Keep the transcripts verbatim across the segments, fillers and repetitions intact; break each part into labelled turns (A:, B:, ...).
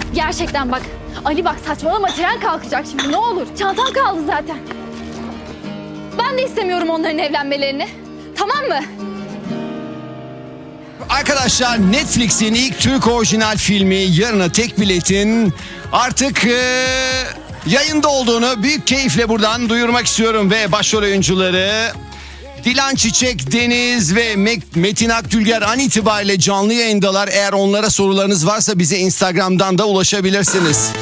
A: Gerçekten bak. Ali bak saçmalama, tren kalkacak şimdi, ne olur. Çantam kaldı zaten. Ben de istemiyorum onların evlenmelerini. Tamam mı?
B: Arkadaşlar, Netflix'in ilk Türk orijinal filmi Yarına Tek Bilet'in artık e, yayında olduğunu büyük keyifle buradan duyurmak istiyorum. Ve başrol oyuncuları Dilan Çiçek, Deniz ve Metin Akdülger an itibariyle canlı yayındalar. Eğer onlara sorularınız varsa bize Instagram'dan da ulaşabilirsiniz.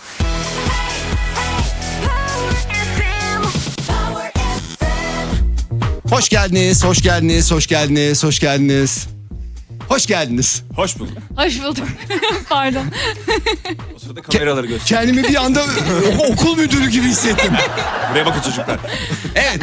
B: Hoş geldiniz, hoş geldiniz, hoş geldiniz, hoş geldiniz. Hoş geldiniz.
C: Hoş bulduk.
A: Hoş bulduk. Pardon.
C: O sırada kameraları göster.
B: Kendimi bir anda okul müdürü gibi hissettim.
C: Buraya bakın çocuklar.
B: Evet.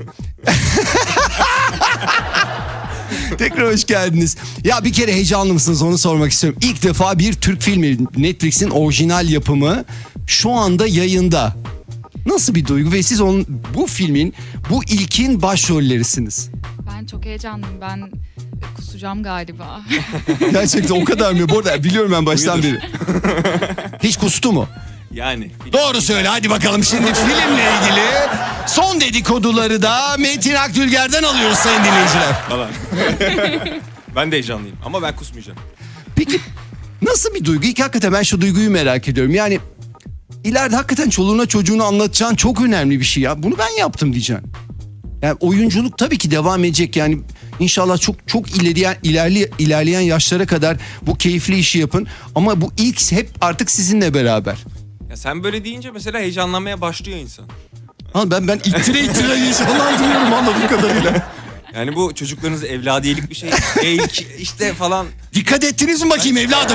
B: Tekrar hoş geldiniz. Ya bir kere heyecanlı mısınız, onu sormak istiyorum. İlk defa bir Türk filmi, Netflix'in orijinal yapımı şu anda yayında. Nasıl bir duygu ve siz onun, bu filmin bu ilkin başrollerisiniz.
D: Ben çok heyecanlıyım. Ben kusacağım galiba.
B: Gerçekten o kadar mı? Bu arada biliyorum ben baştan beri. Hiç kustu mu?
C: Yani.
B: Doğru söyle hadi bakalım, şimdi filmle ilgili son dedikoduları da Metin Akdülger'den alıyoruz sayın dinleyiciler.
C: Falan. Ben de heyecanlıyım ama ben kusmayacağım.
B: Peki nasıl bir duygu? İlk hakikaten ben şu duyguyu merak ediyorum. Yani ileride hakikaten çoluğuna çocuğunu anlatacağın çok önemli bir şey ya. Bunu ben yaptım diyeceksin. Yani oyunculuk tabii ki devam edecek yani. İnşallah çok çok ilerleyen ilerli, ilerleyen yaşlara kadar bu keyifli işi yapın. Ama bu ilk hep artık sizinle beraber.
C: Ya sen böyle deyince mesela heyecanlanmaya başlıyor insan.
B: Ha ben ben ittire ittire heyecanlanıyorum anladığım kadarıyla.
C: Yani bu çocuklarınız evladiyelik bir şey. İlk işte falan.
B: Dikkat ettiniz mi bakayım evladım?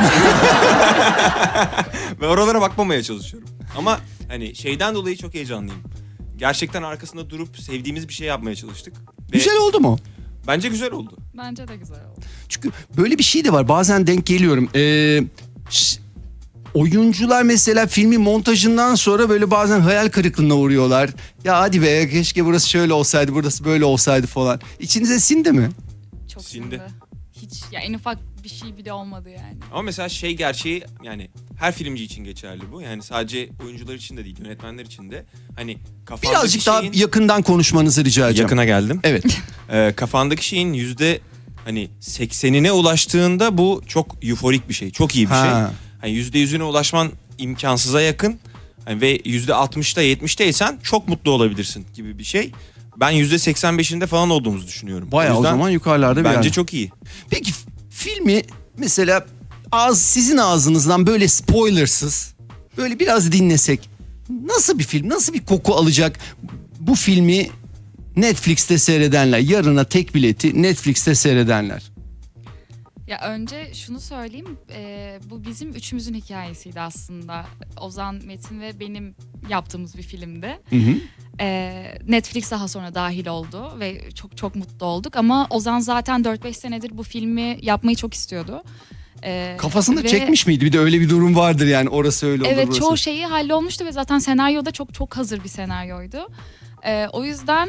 C: Ve oralara bakmamaya çalışıyorum. Ama hani şeyden dolayı çok heyecanlıyım. Gerçekten arkasında durup sevdiğimiz bir şey yapmaya çalıştık. Ve
B: Güzel oldu mu?
C: bence güzel oldu.
D: Bence de güzel oldu.
B: Çünkü böyle bir şey de var. Bazen denk geliyorum. Ee, ş- oyuncular mesela filmin montajından sonra böyle bazen hayal kırıklığına uğruyorlar. Ya hadi be, keşke burası şöyle olsaydı, burası böyle olsaydı falan. İçinize sindi mi?
D: Çok
C: Sindi.
D: sindi. Hiç ya en ufak bir şey bile olmadı yani.
C: Ama mesela şey gerçeği, yani her filmci için geçerli bu. Yani sadece oyuncular için de değil, yönetmenler için de. Hani kafandaki
B: Birazcık daha
C: şeyin...
B: yakından konuşmanızı rica edeceğim.
C: Yakına geldim.
B: Evet.
C: Ee, kafandaki şeyin yüzde hani seksenine ulaştığında bu çok euforik bir şey. Çok iyi bir
B: Ha.
C: şey. Hani yüzde yüzüne ulaşman imkansıza yakın. Hani ve yüzde altmışta yetmişteysen çok mutlu olabilirsin gibi bir şey. Ben yüzde seksen beşinde falan olduğumuzu düşünüyorum.
B: Bayağı o
C: yüzden
B: zaman yukarılarda bir
C: bence
B: yer.
C: çok iyi.
B: Peki f- filmi mesela ağız, sizin ağzınızdan böyle spoilersız böyle biraz dinlesek nasıl bir film, nasıl bir koku alacak bu filmi Netflix'te seyredenler, Yarına Tek Bileti Netflix'te seyredenler?
D: Ya önce şunu söyleyeyim. E, bu bizim üçümüzün hikayesiydi aslında. Ozan, Metin ve benim yaptığımız bir filmdi.
B: Hı hı.
D: E, Netflix daha sonra dahil oldu ve çok çok mutlu olduk. Ama Ozan zaten dört beş senedir bu filmi yapmayı çok istiyordu. E,
B: Kafasında
D: ve-
B: çekmiş miydi? Bir de öyle bir durum vardır yani, orası öyle olur,
D: Evet,
B: burası.
D: çoğu şeyi hallolmuştu ve zaten senaryoda çok çok hazır bir senaryoydu. Ee, o yüzden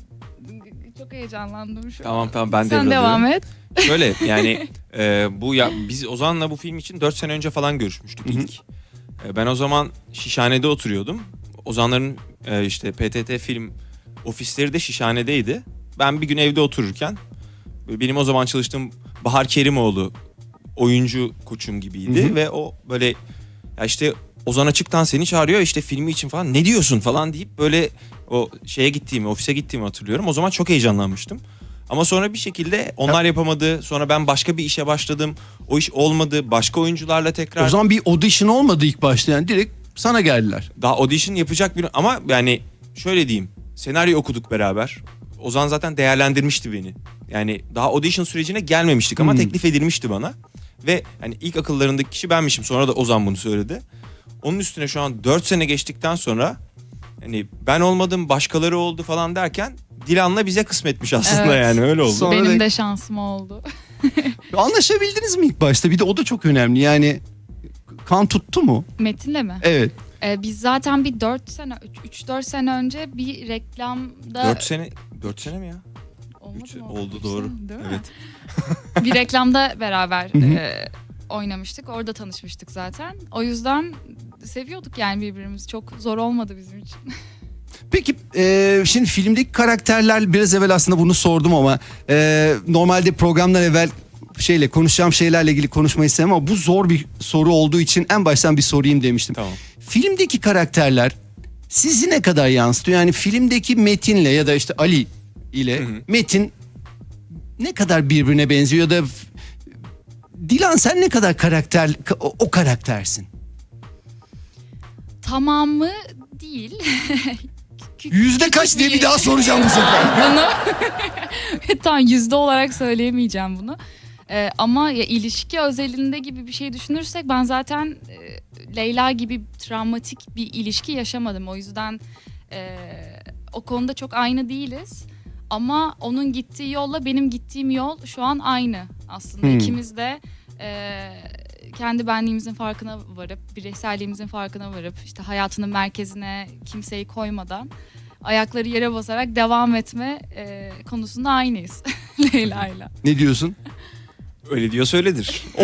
D: çok heyecanlandım şu
C: Tamam
D: an.
C: tamam ben
D: Sen devam et.
C: Şöyle yani e, bu ya biz Ozan'la bu film için dört sene önce falan görüşmüştük
B: Hı hı.
C: ilk. E, ben o zaman Şişhane'de oturuyordum. Ozanların e, işte P T T film ofisleri de Şişhane'deydi. Ben bir gün evde otururken benim o zaman çalıştığım Bahar Kerimoğlu oyuncu koçum gibiydi.
B: Hı hı.
C: Ve o böyle ya işte Ozan Açık'tan seni çağırıyor işte filmi için falan, ne diyorsun falan deyip böyle o şeye gittiğimi, ofise gittiğimi hatırlıyorum. O zaman çok heyecanlanmıştım. Ama sonra bir şekilde onlar yapamadı. Sonra ben başka bir işe başladım. O iş olmadı. Başka oyuncularla tekrar...
B: O zaman bir audition olmadı ilk başta, yani direkt sana geldiler.
C: Daha audition yapacak bir... Ama yani şöyle diyeyim. Senaryo okuduk beraber. Ozan zaten değerlendirmişti beni. Yani daha audition sürecine gelmemiştik ama
B: Hmm.
C: teklif edilmişti bana. Ve hani ilk akıllarındaki kişi benmişim. Sonra da Ozan bunu söyledi. Onun üstüne şu an dört sene geçtikten sonra... Hani ben olmadım, başkaları oldu falan derken... Dilan'la bize kısmetmiş aslında,
D: Evet.
C: yani öyle oldu.
B: Sonra
D: Benim
B: da-
D: de şansım oldu.
B: Anlaşabildiniz mi ilk başta? Bir de o da çok önemli yani, kan tuttu mu?
D: Metin'le mi?
B: Evet.
D: Ee, biz zaten bir dört sene, üç dört sene önce bir reklamda...
C: Dört sene... Dört sene mi ya?
D: Olmadı
C: Üç-
D: mı?
C: oldu
D: Üç
C: doğru.
D: sene, değil mi?
C: Evet.
D: Bir reklamda beraber
B: Hı hı.
D: e, oynamıştık. Orada tanışmıştık zaten. O yüzden seviyorduk yani birbirimizi. Çok zor olmadı bizim için.
B: Peki e, şimdi filmdeki karakterler, biraz evvel aslında bunu sordum ama e, normalde programdan evvel şeyle konuşacağım şeylerle ilgili konuşmayı istemem ama bu zor bir soru olduğu için en baştan bir sorayım demiştim.
C: Tamam.
B: Filmdeki karakterler sizi ne kadar yansıtıyor? Yani filmdeki Metin'le ya da işte Ali ile
C: Hı hı.
B: Metin ne kadar birbirine benziyor ya da Dilan sen ne kadar karakter o, o karaktersin?
D: Tamamı değil. Kü-
B: Yüzde
D: küçük
B: kaç diye bir daha soracağım bu sefer.
D: bunu tam yüzde olarak söyleyemeyeceğim bunu. Ee, ama ya ilişki özelinde gibi bir şey düşünürsek ben zaten e, Leyla gibi travmatik bir ilişki yaşamadım. O yüzden e, o konuda çok aynı değiliz. Ama onun gittiği yolla benim gittiğim yol şu an aynı aslında.
B: Hmm.
D: İkimiz de e, kendi benliğimizin farkına varıp, bireyselliğimizin farkına varıp, işte hayatının merkezine kimseyi koymadan ayakları yere basarak devam etme e, konusunda aynıyız Leyla'yla.
B: Ne diyorsun?
C: Öyle diyor söyledir.
B: Oo.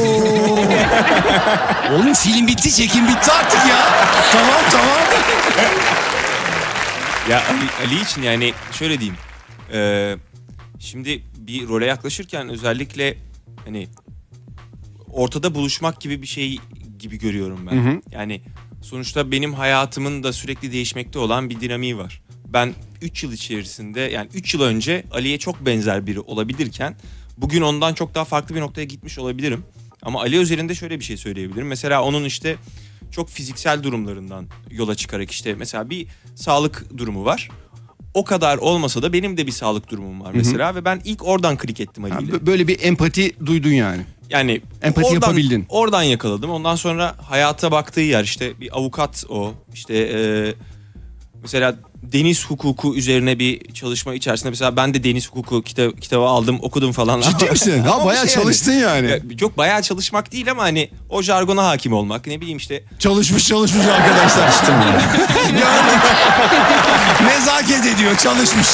B: Oğlum film bitti, çekim bitti artık ya. Tamam tamam.
C: Ya Ali, Ali için yani şöyle diyeyim. Ee, şimdi bir role yaklaşırken özellikle hani ortada buluşmak gibi bir şey gibi görüyorum ben.
B: Hı hı.
C: Yani sonuçta benim hayatımın da sürekli değişmekte olan bir dinamiği var. Ben üç yıl içerisinde yani üç yıl önce Ali'ye çok benzer biri olabilirken bugün ondan çok daha farklı bir noktaya gitmiş olabilirim. Ama Ali özelinde şöyle bir şey söyleyebilirim. Mesela onun işte çok fiziksel durumlarından yola çıkarak işte mesela bir sağlık durumu var. O kadar olmasa da benim de bir sağlık durumum var mesela. Hı hı. Ve ben ilk oradan klik ettim Ali ile.
B: Böyle bir empati duydun yani.
C: Yani
B: empati
C: oradan,
B: yapabildin.
C: Oradan yakaladım. Ondan sonra hayata baktığı yer işte bir avukat o. İşte e, mesela deniz hukuku üzerine bir çalışma içerisinde mesela ben de deniz hukuku kita- kitabı aldım, okudum falan.
B: Ciddi misin? Ha
C: Ama
B: bayağı
C: şey
B: çalıştın yani.
C: Ya, yok bayağı çalışmak değil ama hani o jargona hakim olmak. Ne bileyim işte.
B: Çalışmış çalışmış arkadaşlar işte. Yani nezaket ediyor, çalışmış.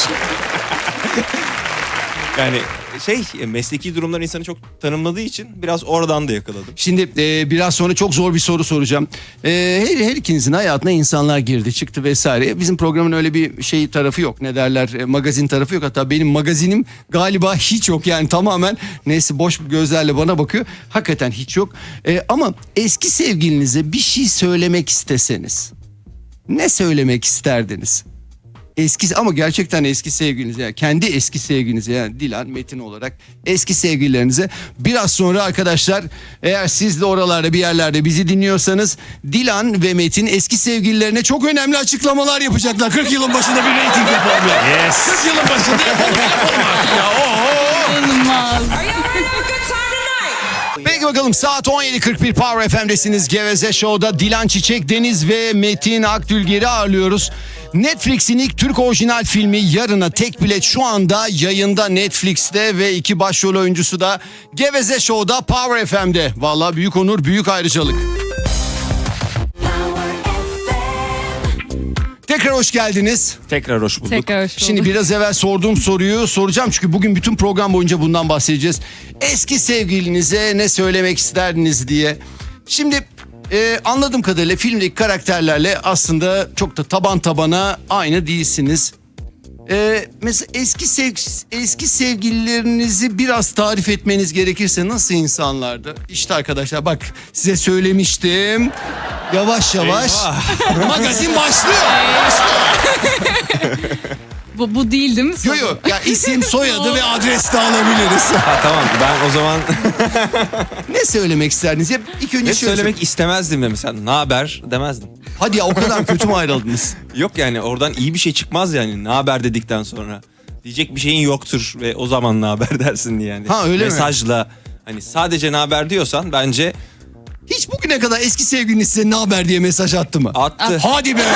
C: Yani şey mesleki durumlar insanı çok tanımladığı için biraz oradan da yakaladım.
B: Şimdi e, biraz sonra çok zor bir soru soracağım. E, her, her ikinizin hayatına insanlar girdi çıktı vesaire. Bizim programın öyle bir şey tarafı yok. Ne derler e, magazin tarafı yok. Hatta benim magazinim galiba hiç yok. Yani tamamen neyse boş gözlerle bana bakıyor. Hakikaten hiç yok. E, ama eski sevgilinize bir şey söylemek isteseniz ne söylemek isterdiniz? Eski ama gerçekten eski sevgilinize yani kendi eski sevgilinize yani Dilan, Metin olarak eski sevgililerinize biraz sonra arkadaşlar eğer siz de oralarda bir yerlerde bizi dinliyorsanız Dilan ve Metin eski sevgililerine çok önemli açıklamalar yapacaklar. kırk yılın başında bir reyting yapalım ya.
C: Yes.
B: kırk yılın başında yapalım, yapalım artık ya. Oo.
D: İnanılmaz.
B: Peki bakalım saat on yedi kırk bir Power F M'desiniz. Geveze Show'da Dilan Çiçek Deniz ve Metin Akdülger'i ağırlıyoruz. Netflix'in ilk Türk orijinal filmi Yarına Tek Bilet şu anda yayında Netflix'te ve iki başrol oyuncusu da Geveze Show'da Power F M'de. Vallahi büyük onur, büyük ayrıcalık. Tekrar hoş geldiniz.
C: Tekrar hoş bulduk.
D: Tekrar hoş bulduk.
B: Şimdi biraz evvel sorduğum soruyu soracağım çünkü bugün bütün program boyunca bundan bahsedeceğiz. Eski sevgilinize ne söylemek isterdiniz diye. Şimdi e, anladığım kadarıyla filmdeki karakterlerle aslında çok da taban tabana aynı değilsiniz. E, mesela eski sev eski sevgililerinizi biraz tarif etmeniz gerekirse nasıl insanlardı? İşte arkadaşlar bak size söylemiştim. Yavaş yavaş magazin başlıyor.
D: Bu, bu değil değil mi?
B: Yok yok ya isim soyadı ve adres de alabiliriz.
C: Ha, tamam ben o zaman
B: Ne söylemek isterdiniz? Ya ilk önce
C: ne
B: şöyle
C: söylemek istemezdim de mesela ne haber demezdim.
B: Hadi ya o kadar kötü mü ayrıldınız?
C: Yok yani oradan iyi bir şey çıkmaz yani ne haber dedikten sonra. Diyecek bir şeyin yoktur ve o zaman ne haber dersin diye yani.
B: Ha, öyle mi?
C: Mesajla hani sadece ne haber diyorsan bence
B: Hiç bugüne kadar eski sevgiliniz size ne haber diye mesaj attı mı?
C: attı.
B: Hadi be.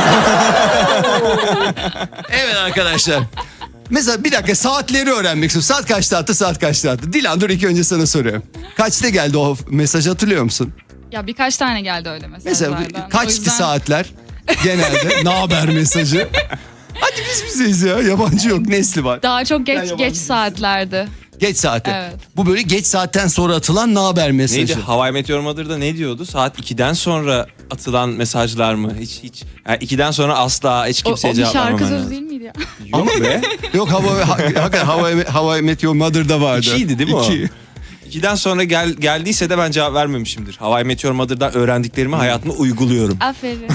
B: Evet arkadaşlar. Mesela bir dakika saatleri öğrenmek istiyorum. Saat kaçta attı, saat kaçta attı? Dilan dur ilk önce sana soruyorum. Kaçta geldi o mesaj hatırlıyor musun?
D: Ya birkaç tane geldi öyle
B: Mesela
D: mesajlardan. O
B: kaçtı
D: yüzden
B: saatler genelde? Ne haber mesajı? Hadi biz bizeyiz ya. Yabancı yok. Nesli var.
D: Daha çok
B: Ben
D: geç
B: yabancı
D: geç
B: değilim.
D: saatlerdi.
B: Geç saate.
D: Evet.
B: Bu böyle geç saatten sonra atılan ne haber mesajı.
C: Neydi? How I Met Your Mother'da ne diyordu? Saat ikiden sonra atılan mesajlar mı? Hiç hiç. Yani ikiden sonra asla hiç
D: O, o
C: kimseye
D: bir
C: cevap
D: şarkı
C: vermemen
D: sözü
C: lazım.
D: değil miydi ya?
C: Yok be.
B: Yok How I, hakikaten How I, How I Met Your Mother'da vardı.
C: İkiydi değil mi o?
B: İki.
C: İkiden sonra gel, geldiyse de ben cevap vermemişimdir. How I Met Your Mother'dan öğrendiklerimi hayatıma uyguluyorum.
D: Aferin.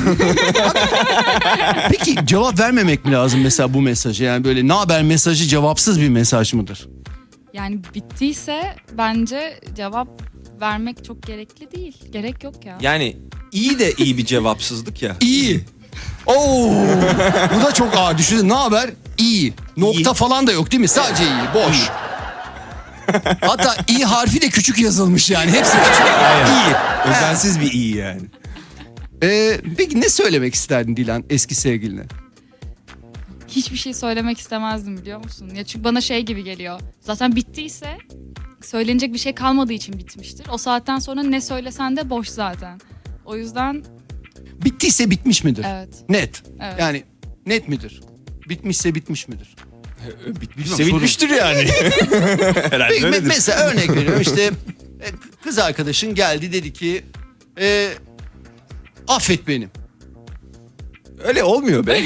B: Peki cevap vermemek mi lazım mesela bu mesaja? Yani böyle ne haber mesajı cevapsız bir mesaj mıdır?
D: Yani bittiyse bence cevap vermek çok gerekli değil. Gerek yok ya.
C: Yani iyi de iyi bir cevapsızlık ya.
B: İyi. Oo, bu da çok ağır. Düşünün ne haber? İyi. Nokta
C: İyi.
B: falan da yok değil mi? Sadece iyi. Boş. Hatta i harfi de küçük yazılmış yani. Hepsi küçük. İyi.
C: Özensiz bir iyi yani.
B: Ee, peki ne söylemek isterdin Dilan eski sevgiline?
D: Hiçbir şey söylemek istemezdim biliyor musun? Ya çünkü bana şey gibi geliyor. Zaten bittiyse söylenecek bir şey kalmadığı için bitmiştir. O saatten sonra ne söylesen de boş zaten. O yüzden
B: Bittiyse bitmiş midir?
D: evet.
B: Net.
D: Evet.
B: Yani net midir? Bitmişse bitmiş midir?
C: Bitmişse bitmiştir yani. Herhalde
B: Peki, me-
C: öyledir.
B: mesela örnek veriyorum işte e, kız arkadaşın geldi dedi ki e, affet beni.
C: Öyle olmuyor be.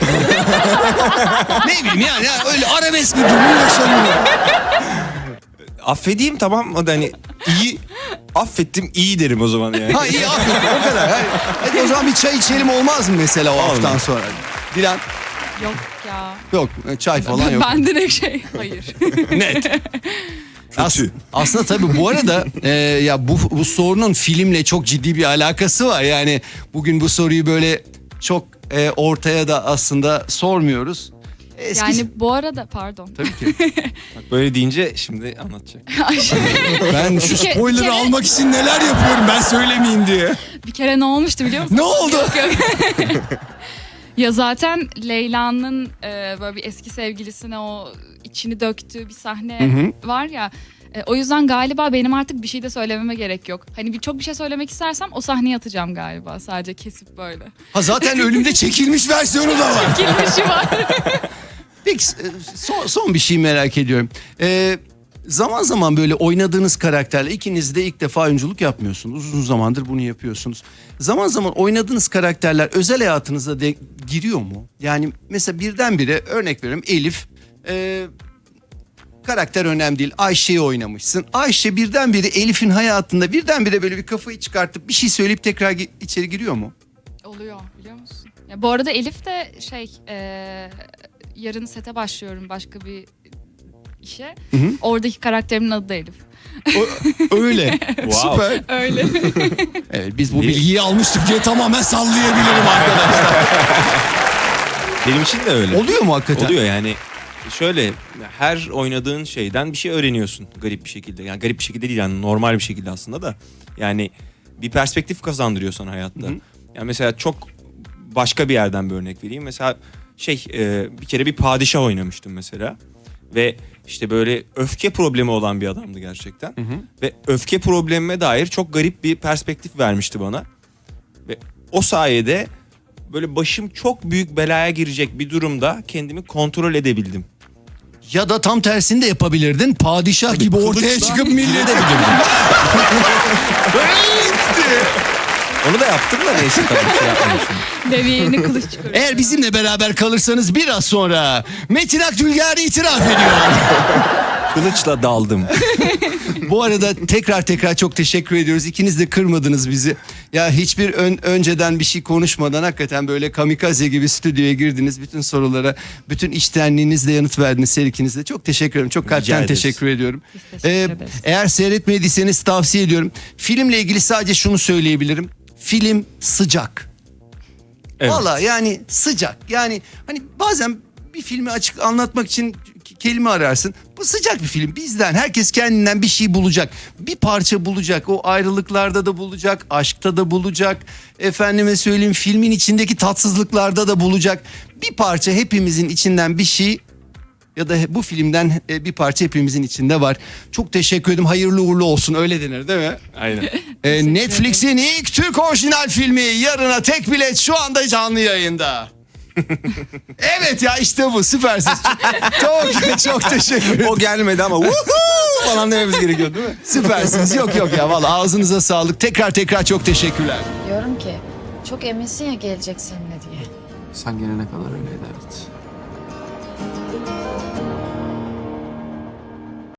B: Ne bileyim yani, yani öyle arabesk bir durum yaşanıyor.
C: Affedeyim tamam mı? Hani iyi affettim iyi derim o zaman yani.
B: Ha iyi affet o kadar. Hadi, hadi o zaman bir çay içelim olmaz mı mesela o haftadan
C: Olmaz.
B: sonra? Dilan
D: Yok ya.
B: yok çay falan yok.
D: Ben direkt şey hayır.
B: Net. As-
C: Kötü.
B: aslında tabii bu arada e, ya bu, bu sorunun filmle çok ciddi bir alakası var. Yani bugün bu soruyu böyle çok e, ortaya da aslında sormuyoruz. Eski...
D: Yani bu arada pardon.
B: Tabii ki.
C: Bak böyle deyince şimdi anlatacak.
B: Ben şu
D: Bir ke-
B: spoiler'ı
D: bir kere-
B: almak için neler yapıyorum ben söylemeyeyim diye.
D: Bir kere ne olmuştu biliyor musun?
B: Ne oldu?
D: Ya zaten Leyla'nın e, böyle bir eski sevgilisine o içini döktüğü bir sahne
B: Hı
D: var ya. E, o yüzden galiba benim artık bir şey de söylememe gerek yok. Hani bir çok bir şey söylemek istersem o sahneye atacağım galiba. Sadece kesip böyle.
B: Ha zaten ölümde çekilmiş versiyonu da var.
D: Girmişi var.
B: Peki e, son, son bir şey merak ediyorum. Ee, zaman zaman böyle oynadığınız karakterle ikiniz de ilk defa oyunculuk yapmıyorsunuz. Uzun zamandır bunu yapıyorsunuz. Zaman zaman oynadığınız karakterler özel hayatınıza de giriyor mu? Yani mesela birdenbire örnek veriyorum Elif... E, karakter önemli değil. Ayşe'yi oynamışsın. Ayşe birdenbire Elif'in hayatında birdenbire böyle bir kafayı çıkartıp bir şey söyleyip tekrar gi- içeri giriyor mu?
D: Oluyor biliyor musun? Ya bu arada Elif de şey e, yarın sete başlıyorum başka bir işe.
B: Hı hı.
D: Oradaki karakterimin adı da Elif.
B: O- öyle.
C: Wow.
B: Süper.
D: Öyle.
B: Evet biz bu
C: Bir-
B: bilgiyi almıştık diye tamamen sallayabilirim arkadaşlar.
C: Benim için de öyle.
B: Oluyor mu hakikaten?
C: Oluyor yani. Şöyle her oynadığın şeyden bir şey öğreniyorsun garip bir şekilde. Yani garip bir şekilde değil yani normal bir şekilde aslında da. Yani bir perspektif kazandırıyor sana hayatta.
B: Hı hı.
C: Yani mesela çok başka bir yerden bir örnek vereyim. Mesela şey e, bir kere bir padişah oynamıştım mesela. Ve işte böyle öfke problemi olan bir adamdı gerçekten.
B: Hı hı.
C: Ve öfke problemime dair çok garip bir perspektif vermişti bana. Ve o sayede böyle başım çok büyük belaya girecek bir durumda kendimi kontrol edebildim.
B: Ya da tam tersini de yapabilirdin. Padişah gibi ortaya
C: kılıçla
B: çıkıp millete
C: Onu da yaptım da neyse tabii bir şey yapmamışım.
D: Deviyeğini kılıç çıkarıyor.
B: Eğer bizimle beraber kalırsanız biraz sonra Metin Akdülger itiraf ediyor.
C: Kılıçla daldım.
B: Bu arada tekrar tekrar çok teşekkür ediyoruz. İkiniz de kırmadınız bizi. Ya hiçbir ön- önceden bir şey konuşmadan hakikaten böyle kamikaze gibi stüdyoya girdiniz. Bütün sorulara, bütün içtenliğinizle yanıt verdiniz her ikiniz de. Çok teşekkür ederim. Çok
C: Rica
B: kalpten
C: ederiz.
B: teşekkür ediyorum.
D: Biz teşekkür
B: Ee,
D: ederiz.
B: eğer seyretmediyseniz tavsiye ediyorum. Filmle ilgili sadece şunu söyleyebilirim. Film sıcak.
C: Evet.
B: Valla yani sıcak. Yani hani bazen bir filmi açık anlatmak için k- kelime ararsın. Bu sıcak bir film. Bizden herkes kendinden bir şey bulacak. Bir parça bulacak. O ayrılıklarda da bulacak. Aşkta da bulacak. Efendime söyleyeyim filmin içindeki tatsızlıklarda da bulacak. Bir parça hepimizin içinden bir şey ya da bu filmden e, bir parça hepimizin içinde var. Çok teşekkür ederim. Hayırlı uğurlu olsun. Öyle denir değil mi?
C: Aynen.
B: Ee, Netflix'in ilk Türk orijinal filmi Yarına Tek Bilet şu anda canlı yayında. Evet ya, işte bu, süpersiniz. Çok çok teşekkür ederim.
C: O gelmedi ama "Woohoo!" falan dememiz gerekiyor değil mi?
B: Süpersiniz. Yok yok ya, vallahi ağzınıza sağlık. Tekrar tekrar çok teşekkürler.
E: Diyorum ki çok eminsin ya gelecek seninle diye.
C: Sen gelene kadar öyleydi, evet.